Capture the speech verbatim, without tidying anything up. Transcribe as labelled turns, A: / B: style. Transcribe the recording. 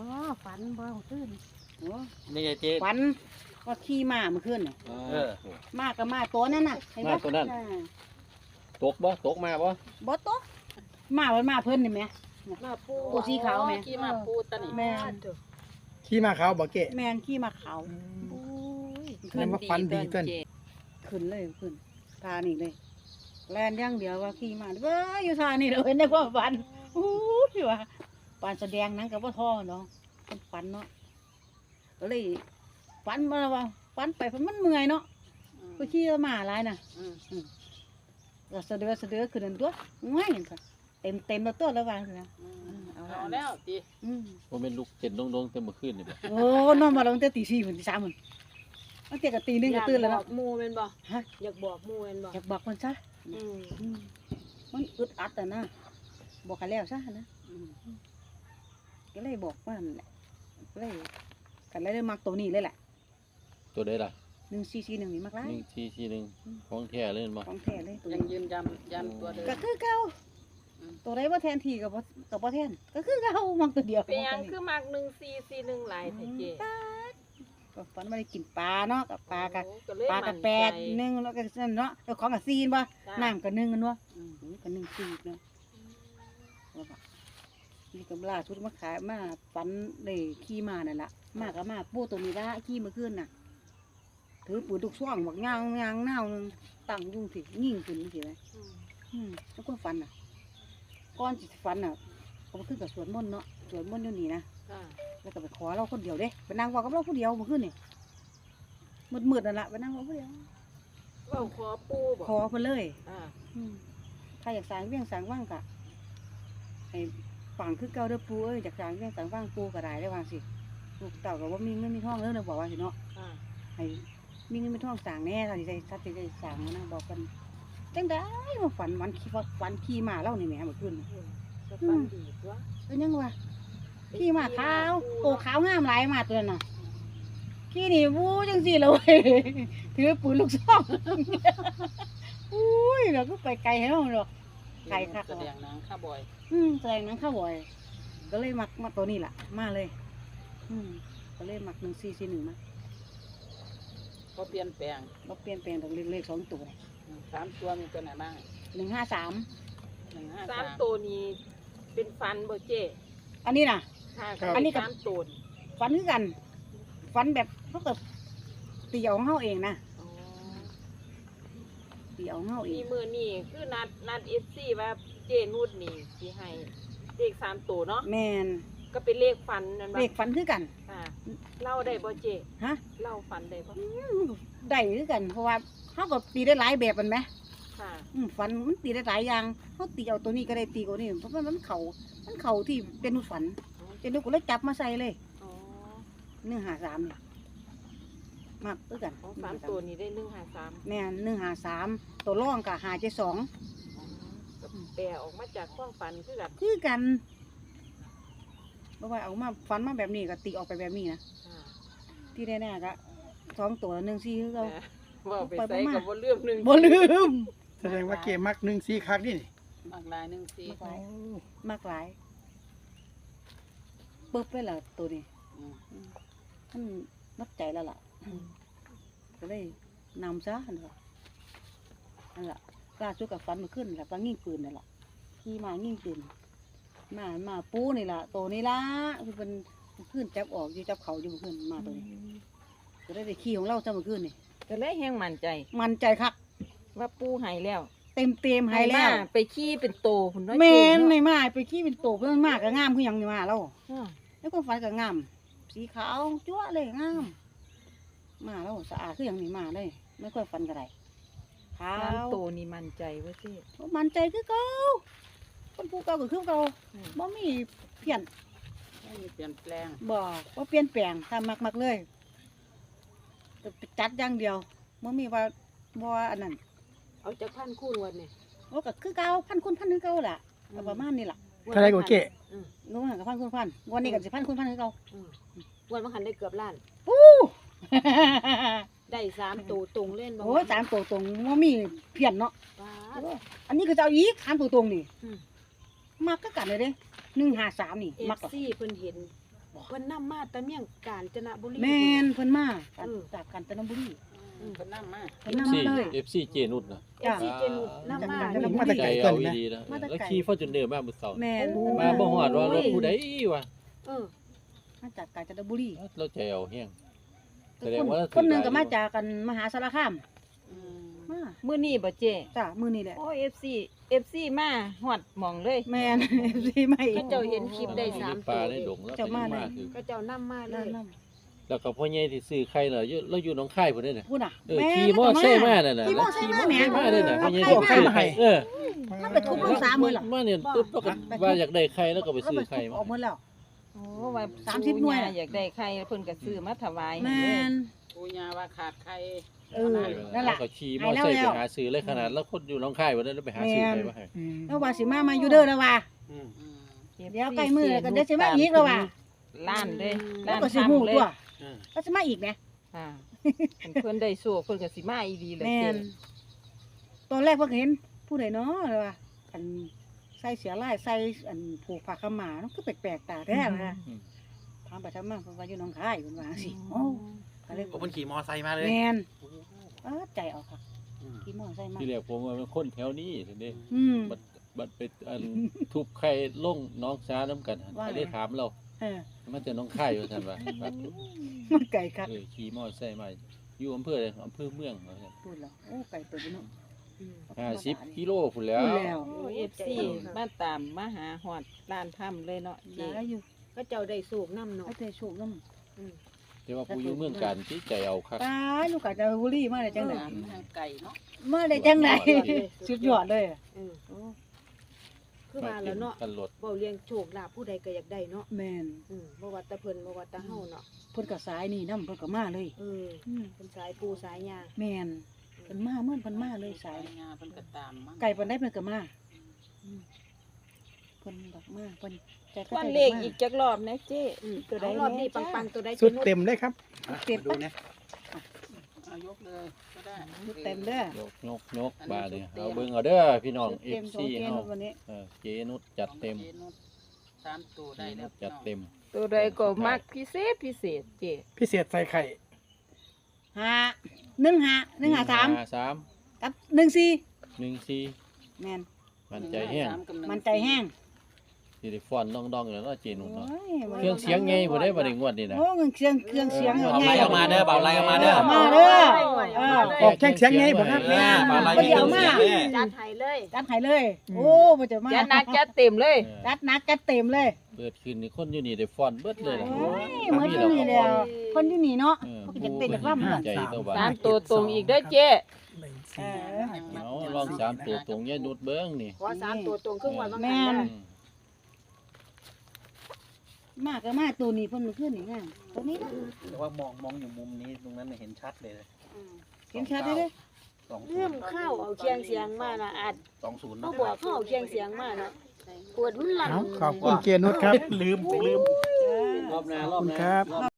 A: บ่ฝันบ่ขึ้นโอ้
B: นี่ไงเจ๊
A: ฝันก็ขี่ม้าเมื่อคืนน่ะ
B: เออ
A: ม้ากับม้าตัวนั้นน่ะเห็นบ่
B: ม้าตัวนั้น ตกบ่ตกมาบ่
A: บ่ตกม้ามันม้าเพิ่นนี่แหม
C: มาปู
A: ตัวสีขาวแม่
C: ขี่มาปูตะนี่
A: แม่น
D: ขี่มาเขาบอกเกะ
A: แม่นขี่ม้าขาว
C: โอ้ย
D: แสดงว่าฝันดีเกิน
A: ขึ้นเลยขึ้นทานี่เลยแล่นอย่างเดียวว่าขี่ม้าเว้ยอยู่ทานี่เลยในความฝันอู้ยว่าปานแสดงหนังก็บ่ท้อเนาะมันฝันเนาะก็เลยฝันมาว่าฝันไปเพราะมันเมื่อยเนาะไปขี่ม้าหลายน่ะ
C: อืม
A: ก็สะเดือสะเดือขึ้นนั่นตัวง่ายเห็นค่ะเต็มเต็มแล้วตัวแล้ววางเลยนะ
C: อืมเอาแล้วติ
A: อืม
B: บ่แม่นลูกเต้นดงๆแต่เมื่อคืนนี่บ่
A: โอ้นอนมาแล้วตั้งแต่ตีสี่ถึงตีสามมันตั้งแต่กับตีหนึงก็ตื่นแล้ว
C: อยา
A: เนาะ
C: กบอกหมู่แม่นบ่
A: ฮะ
C: อยากบอกหมู่แม่นบ่
A: อยากบอกมันซะ
C: อืม
A: อืมมันอึดอัดอ่ะนะบอกกันแล้วซะนะ
C: อืม
A: ก็เลยบอกว่านั่นแหละก็เลยกันเลยได้มักตัวนี้เลยแหละ
B: ตัวใดล่ะ
A: หนึ่งสี่สี่หนึ่งนี่มักไร
B: หนึ่งสี่สี่หนึ่งของแท้เลยบ่
A: ของแท้เลยตัว
C: ยัง
A: นี้
C: ยืนยันยันตัวเดิม
A: ก็คือเก่า
C: อืม
A: ตัวใดว่าแทนทีกับว่ากับว่าแทนก็คือเก่ามักตัวเดียว
C: เป็นหยังคือมักหนึ่งสี่สี่หนึ่งหลายแท้เจ๊
A: ก็ฝันว่าได้กินปลาเนาะกับปลากับ
C: โอ้ก็เลย
A: ปลากับแปด
C: มั่นใจ
A: หนึ่งแล้วก็นั่นเนาะแล้วของกับซีนบ่
C: จ้ะ
A: น้ำกับหนึ่งกันวะ
C: อืม
A: กับหนึ่งซีเนาะว่าบ่นี่ก็ล่าสุดมาขายมาฝันเลยขี่มานั่นล่ะมากับมาปูตัวนี้ละขี่เมื่อคืนน่ะถือปืนทุกช่วงบักยางยางเน่านึงตั้งอยุ่งสิยิงขึ้นสิไหม
C: อืม
A: อืมแล้วก็ฝันน่ะก่อนสิฝันน่ะก็มาขึ้นกับสวนมนต์เนาะสวนมนต์อยู่นี่นะ
C: ค่ะ
A: แล้วก็ไปขอเราคนเดียวเด้ไปนั่งเว่ากับเราคนเดียวเมื่อคืนนี่มืดๆนั่นล่ะไปนั่งเว่าคนเดียว
C: เว้าขอปูบ่
A: ขอเพิ่นเลย
C: อ่า
A: อืมถ้าอยากสร้างเวียงสร้างว่างกะให้ฝังคือเก่าเด้อปูเอ้ยอยากสร้างเวียงสร้างว่างปูก็ได้ได้วางสิลูกเต่าก็ว่ามีเงินมีทองเด้อเนาะบอกว่าสิเนาะ
C: ค่ะ
A: ให้มีเงินมีทองสร้างแน่ถ้าสิได้ถ้าสิได้สร้างนะบอกกันจังได้มาฝันวันขี่ว่าฝันขี่มาเล่านี่แหมเมื่อคืนนี่
C: อืมก็ฝันดีตัว
A: เป็นยังวะขี่มาขาวโอ้ขาวงามหลายมาตัวนั้นน่ะขี่นี่วู้จังสิเลย ถือปืนลูกซอง อุ้ยเราก็ไปไกลให้เราหรอก ไก่คัก
C: แสดงหนังข้าบอย
A: อืมแสดงหนังข้าวบ่อย ก็เลยมักมาตัวนี้แหละมาเลย อืมก็เลยมักหนึ่งสี่สี่หนึ่งมา
C: ก็เปลี่ยนแปลง
A: เราเปลี่ยนแปลงจากเลขๆสองตัว
C: อืมสามตัวมีตัวไหนบ้าง
A: หนึ่งห้าสาม
C: หนึ่งห้าสามตัวนี้เป็นฟันบ่เจ๊
A: อันนี้น่ะ
C: ค่ะ
A: อันนี้กับ
C: สามตัวนี่
A: ฟันคือกัน ฟันแบบเขากับตีเอาของเฮาเองนะ
C: อ๋อ
A: ตีเอาของเฮาเอ
C: มี
A: ง
C: มือนี่คือนัดนัดเอฟซีว่าเจนุดนี่สิให้เลขสามตัวเนาะ
A: แมน
C: ก็เป็นเลขฟันนั่น
A: เลขฟันคือกัน
C: ค่ะเล่าได้บ่เจ
A: ฮะ
C: เล่าฟันได้บ่
A: ได้คือกัน เพราะว่าเขาก็ตีได้หลายแบบมันไหม
C: ค่ะ
A: อืมฟันมันตีได้หลายอย่างเขาตีเอาตัวนี้ก็ได้ตีตัวนี้เพราะว่ามันเข่ามันเข่าที่เป็นนุดฝันเป็นนุดก็เลยจับมาใส่เลย
C: อ๋อ
A: หนึ่งหาสามเนี่ยมากคือกัน
C: ของสามตัวนี้ได้หนึ่งห้าสาม
A: แม่นหนึ่งหาสามตัวร่องกับหาเจ็ดสอง
C: ก็แปลออกมาจากความฝันคือกัน
A: คือกันเพราะว่าเอามาฟันมาแบบนี้ก็ตีออกไปแบบนี้นะ
C: ค่ะ
A: ที่แน่ๆก็สองตัวหนึ่งสี่คือเรา
C: แต่ว่าไปใส่กับบ่เลื่อมหนึ่ง
A: บ่ลืม
D: แสดงว่าเกะมักหนึ่งซีคักนี่นี่
C: มากลายหนึ่งสี่
A: มากหลายมากหลายปึ๊บเลยล่ะตัวนี้
C: อืม
A: มันมัดใจแล้วล่ะก็เลยนำซะนั่นแหละนั่นแหละล่าสุดกับฟันมาขึ้นแหละปลางิ่งปืนนั่นแหละขี่มางิ่งปืนมามาปูนี่ล่ะตัวนี้ล่ะคือเป็นขึ้นจับออกอยู่จับเขาอยู่ขึ้นมาตัวนี้ก็ได้ได้ขี่ของเราจะมาขึ้นนี่
C: ก็เลยแห้งมั่นใจ
A: มันใจคัก
C: ว่าปูใหายแล้ว
A: เต็มเต็มๆให้แล้ว
C: ไปขี้เป็นโตพุ่นน้อย
A: แม่น
C: เนาะ
A: ในมาไปขี่เป็นโตเพื่อนมากก็งามคือหยังนี่มาแล้ว
C: อ่า
A: แล้วก็ฟันก็งามสีขาวจั๊วะเลยงามมาแล้วสะอาดคือหยังนี่มาเลยไม่ค่อยฟันก็ได้ขาว
C: สามโตนี่มั่นใจว่าเจ๊
A: มันใจคือเก่าคนผู้เก่าก็คือเก่า
C: อืม
A: บ่มีเปลี่ยน
C: ไม่มีเปลี่ยนแปลง
A: บ่บ่เปลี่ยนแปลงตามมักๆเลยแต่จัดอย่างเดียวบ่มีว่าบ่ว่าอันนั้น
C: เอาจากพันคูณวันนี่
A: โอ้ก็คือเก่าพันคุณพันคือเก่าล่ะก็ประมาณนี้ล่ะ
D: เท่าไรก็เกะ
C: อืม
A: รู้ว่ากับพันคุณพันวันนี้ก็สิพันคุณพันคือเก่า
C: อืมวันมันหันได้เกือบล้าน
A: ปู้
C: ได้สามตัวตรงเล่นบ่
A: โอ้ยสามตัวตรงบ่มีเพี้ยนเนาะ
C: ว้า
A: โอ้ยอันนี้ก็จะเอาอีกสามตัวตรงนี่
C: อืม
A: มักก็กันเลยเด้หนึ่งห้าสามนี่
C: เอ
A: มัก
C: ฟ
A: เหรอ
C: ซีเพิ่นเห็น
E: เพิ่นนำมาแต่เมียงกาญจนบุรี
A: แม่นเพิ่นมา
E: เออ
A: จากกาญจนบุรี
E: อืมเพิ่นนำมา
A: เพิ่นนำมาเลย
B: เอฟซีเจนุชนะ
E: เอฟซีเจนุดนำมา
A: จากกาญจนบุ
D: มาแต่
A: รี
B: ใจ
D: ไกล
B: เอา
D: เกินนะ
B: ดีๆนะ
A: มาแต่ไกล
B: แล้วขี่ฟอร์จูเนอร์มามื้อเช้า
A: แม่น
B: มาบ่ฮอดว่ารถผู้ใดวะ
E: เออ
A: มาจากกาญจนบุรี
B: เราใจเอาแฮง แส
A: แต่
B: ดง
A: คน
B: ว่า
A: คนหนึงก็
B: ถือหลาย
A: มาจากกันมหาสารคามมา
C: มื้อนี้บ่เจ
A: จ้ะมื้อนี้แหละ
C: โอ้ เอฟ ซี เอฟ ซี มาฮอดหม่องเลย
A: แม่น สิไม่
E: เขาเจ้าเห็นคลิปได้สาม
B: ป
E: ตั
B: ลาว ได้ดงแล้ว
A: เจ้า
B: ก็
A: มา
B: ยัง
A: เลย
B: มาคือ
E: ก็เจ้านำมาเล
A: เล่น
E: ย
A: น้
B: แล้วก็พ่อใหญ่ที่ซื้อไข่น่ะอยู่เราอยู่หนองคายพุ่นเด้น่ะ
A: ำพูดน่ะ
B: เออ
A: แม่
B: ขี่มอไซค์มานั่นน่ะ
A: ขี่มอไซค์มาแหม
B: ขี่มาเด้น่ะพ่อใหญ่
A: เอา
B: ที่
A: ไข่
B: ซื้อ
A: มา
B: ไข่เออ
A: มันไปทุบลูกสามมื้อล่ะ
B: มาเนี่ยปึ๊บแล้วก็ว่าอยากได้ไข่แล้วก็ไปซื้อไข่มา
A: ออกหมดแล้ว
C: โอ้ว่า
A: สามสิบหน่วย
C: ปู่าอยากได้ไข่เพิ่นก็ซื้อมาถวาย
A: แม่น
F: ปูยาว่าขาดใคร
A: เออนั่นล่ะ
B: แล้วก็ขี่มอไซค์ไปหาซื้อเลยขนาดแล้วคนอยู่หนองคายบ่ได้แล้วไปหาซื้อไข่มาให้
D: อืม
A: แล้วว่าสิมามาอยู่เด้อแล้วว่า
F: อืม
A: เดี๋ยวใกล้มื้อแล้วก็เดี๋ยวสิมาอีกแล้วว่ะ
C: ล้านเลย
A: แล้ว
C: ล้าน
A: ก็สิฮู้
C: ทำเลย
A: ตัว
F: อืม
A: แล้วสิมาอีกแหม
C: ค่ะเพิ่นได้โชคเพิ่นก็สิมาอีหลีเลย
A: แม่นตอนแรกเพิ่นก็เห็นผู้ใดเนาะเลยว่าอันใส่เสียลายใส่อันผูกผ้าขาวม้าเนาะคือแปลกๆตาแท้นะ
B: อืม
A: ถามไปถามมาเพิ่นว่าอยู่หนองคายเพิ่นว่าจังซี่โอ้ก็เลย
F: ผมมันขี่มอไซค์มาเลย
A: แม่นเออใจออกค่ะ
F: อืม
A: ขี่มอไซค์มา
B: ที่แรกผมว่ามันคนแถวนี้ซั่นเด้
A: อืม
B: บัดบัดไปอันทุบไข่ลงน้องช้าน้ำกัน
A: ว่าไง
B: ก็เลยถามเรา
A: เออ
B: มันจะน้องค่ายว่าซั่นว่าบัด
A: มันไกลคัก
B: เออขี่มอไซค์มาอยู่อำเภอใดอำเภอเมืองว่าซั่น
A: พูดแล้วโอ้ไกลตัวเนาะ
B: ห้าสิบกิโลพุ่นแล้ว
A: พูดแล้ว
C: โอ้ เอฟ ซี มาตามมาหาฮอดร้านถ้ำเลยเนาะเจ
A: ได้อยู่
E: ก็เจ้าได้สูกน้ำเนาะ
A: ให้เธอโชคนำ
B: แต่ว่าผู้อยู่เมืองการที่ใจเอาคัก
A: ตายลูกกาญจนบุรีมาได้จังได๋
F: ไก่เนาะ
A: มาได้จังได๋สุดยอดเลยอะ
E: เออคือว่าแล้วเนาะ
B: กันรถ
E: เว้าเลี้ยงโชคลาภผู้ใดก็อยากได้เนาะ
A: แม่น
E: อืมบ่ว่าแต่เพิ่นบ่ว่าแต่เฮาเนาะ
A: เพิ่นก็สายนี่นำเพิ่นก็มาเลย
E: เออ
A: อืม
E: เพิ่นสายปูสายยา
A: แม่นเพิ่นมาเมื่อเพิ่นมาเลยสาย
F: งาเพิ่นก็ตามมั้ง
A: ไก่เพิ่นได้เพิ่นก็มาอืมเพิ่นดอกมาเพิ่นใจก็
C: วัน
A: ใจ
C: เลข
A: มา
C: อีกจักรอบนะเจ
E: อืม
C: ตัวใด
E: เอารอบนี้
C: แจ้า
E: ปังๆตัวใด
D: สุด
E: นุช
D: เต็มเลยครับ
A: เต็ม
F: ดู
A: ปะ
F: นะเอายกเลยก็ได้
A: เต็มเด้อย
B: กยกยกบาดนี่เอาเบิ่งเอาเด้อพี่น้อง
A: เต็มสอง
B: เอฟซี
A: เก
B: เฮา
A: วันนี้
B: เออเจนุชจัดเต็ม
F: สามตัว
B: เจ
F: ได้แล้
B: นุ
F: ว
B: ชจัดเต็ม
C: ตัวใดก็มักพิเศษพิเศษเจ
D: พิเศษใส่ไข่
A: ห้าหนึ่งห้าหนึ่งห้าสาม
B: ห้าสาม
A: กับหนึ่งสี่
B: หนึ่งสี่
A: แม่น
B: มันใจแห้ง
A: มันใจแห้ง
B: สิได้ฟ้อนดองๆแล้วเนาะเจนุชเนาะ
A: โอ้ย
B: เครื่องเสียงไงบ่ได้บ่ได้งวดนี่นะ
A: โอ้เงินเครื่องเครื่องเสียง
B: เอา
A: ไง
B: ไล่ออกมาเด้อเบาไล่ออกมาเด้อ
A: เมาเด้อเออ
D: ออกแข้งเสียงไงบ่ครับ
A: แม่น
B: เบาไล่
A: บ่ได้เอามา
E: จัดให้เลย
A: จัดให้เลย โอ้บ่จะมา
C: จัดหนักจัดเต็มเลย
B: เออ
A: จัดหนักจัดเต็มเลย
B: เปิดขึ้นนี่คนอยู่นี่ได้ฟ้อนเบิดเลยล่ะ
A: โอ้ยเหมือนอยู่นี่แล้วคนอยู่นี่เนาะ
B: เออ
A: เขาก็จะเป็นแบบว่า
B: ใจตัวบ้า
C: สามตัวตรงอีกเด้อเจ
D: หนึ่ง
A: เอ
D: สี่
A: อ
B: เอาลองสามตัวตรงยายนุชเบิ่งนี่
E: ขอสามตัวตรงครึ่งวันบาง
A: แม่
E: คัน
A: น
E: ได้
B: อืม
A: มากก็มาตัวนี้เพิ่นขึ้นนี่งามตัวนี้นะ
F: แต่ว่ามองมองอยู่มุมนี้ตรงนั้นเห็นชัดเลย
A: เห็นชัดเลยเด้อ
F: สอง
E: เริ่มเข้าเอาเคียงเสียงมานะอาจ
F: สองศูนย์
E: เขาบอกเข้าเอาเคียงเสียงมาเนาะปวดมันหลัง
D: เอาขอบคุณเจนุชครับ
F: ลืมลืม
B: รอบหน้าร
D: ข
B: อ
D: อ
B: บบ
D: คุณ
B: หน้า
D: ครับ